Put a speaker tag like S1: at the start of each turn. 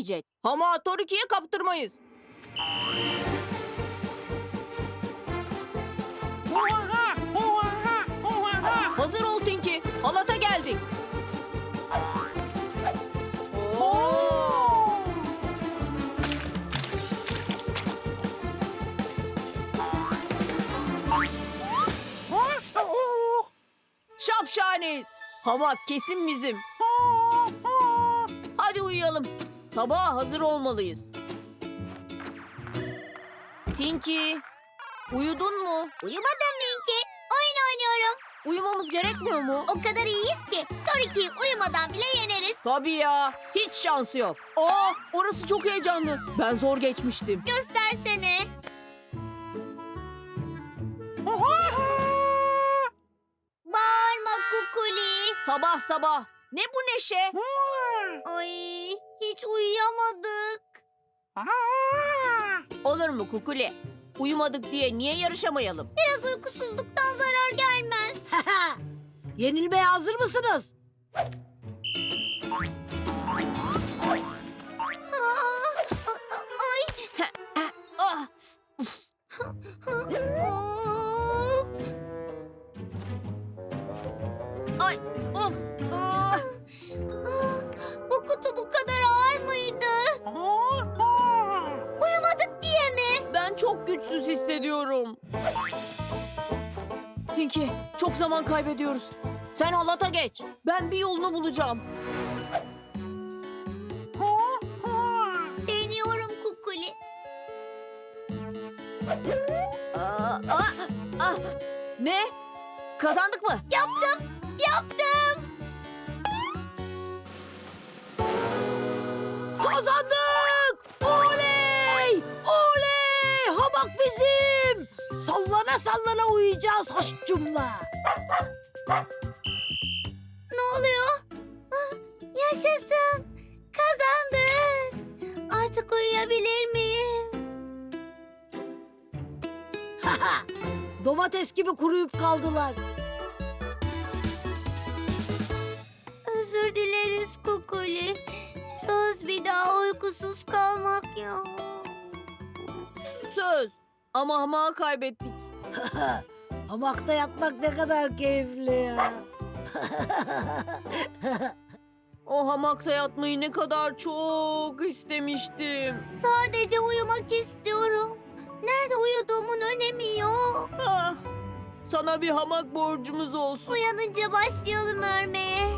S1: gelecek. Ama Toriki'ye kaptırmayız. Hazır ol Tinky. Halata geldik. Oo! Şapşaniz. Hamak kesin bizim. Hadi uyuyalım. Sabaha hazır olmalıyız. Tinky, uyudun mu?
S2: Uyumadım Minki. Oyun oynuyorum.
S1: Uyumamız gerekmiyor mu?
S2: O kadar iyiyiz ki Toriki'yi uyumadan bile yeneriz.
S1: Tabii ya. Hiç şansı yok. Aa, orası çok heyecanlı. Ben zor geçmiştim.
S2: Göstersene. Bağırma Kukuli.
S1: Sabah sabah. Ne bu neşe?
S2: Ay, hiç uyuyamadık.
S1: Olur mu Kukuli? Uyumadık diye niye yarışamayalım?
S2: Biraz uykusuzluktan zarar gelmez.
S3: Yenilmeye hazır mısınız?
S2: Ay.
S1: Ah,
S2: Of.
S1: ay, of. Ah.
S2: Bu kutu bu kadar ağır mıydı? Uyumadık diye mi?
S1: Ben çok güçsüz hissediyorum. Tinky, çok zaman kaybediyoruz. Sen halata geç. Ben bir yolunu bulacağım.
S2: Deniyorum Kukuli.
S1: Ah. Ne? Kazandık mı?
S2: Yaptım. Yaptım.
S3: Kazandık! Oley! Oley! Hamak bizim! Sallana sallana uyuyacağız hoşçumla.
S2: Ne oluyor? Ah, yaşasın. Kazandık. Artık uyuyabilir miyim?
S3: Domates gibi kuruyup kaldılar.
S2: Özür dileriz Kukuli. Söz bir daha uykusuz kalmak yok.
S1: Söz. Ama hamağı kaybettik.
S3: Hamakta yatmak ne kadar keyifli ya.
S1: O hamakta yatmayı ne kadar çok istemiştim.
S2: Sadece uyumak istiyorum. Nerede uyuduğumun önemi yok.
S1: Ah, sana bir hamak borcumuz olsun.
S2: Uyanınca başlayalım örmeye.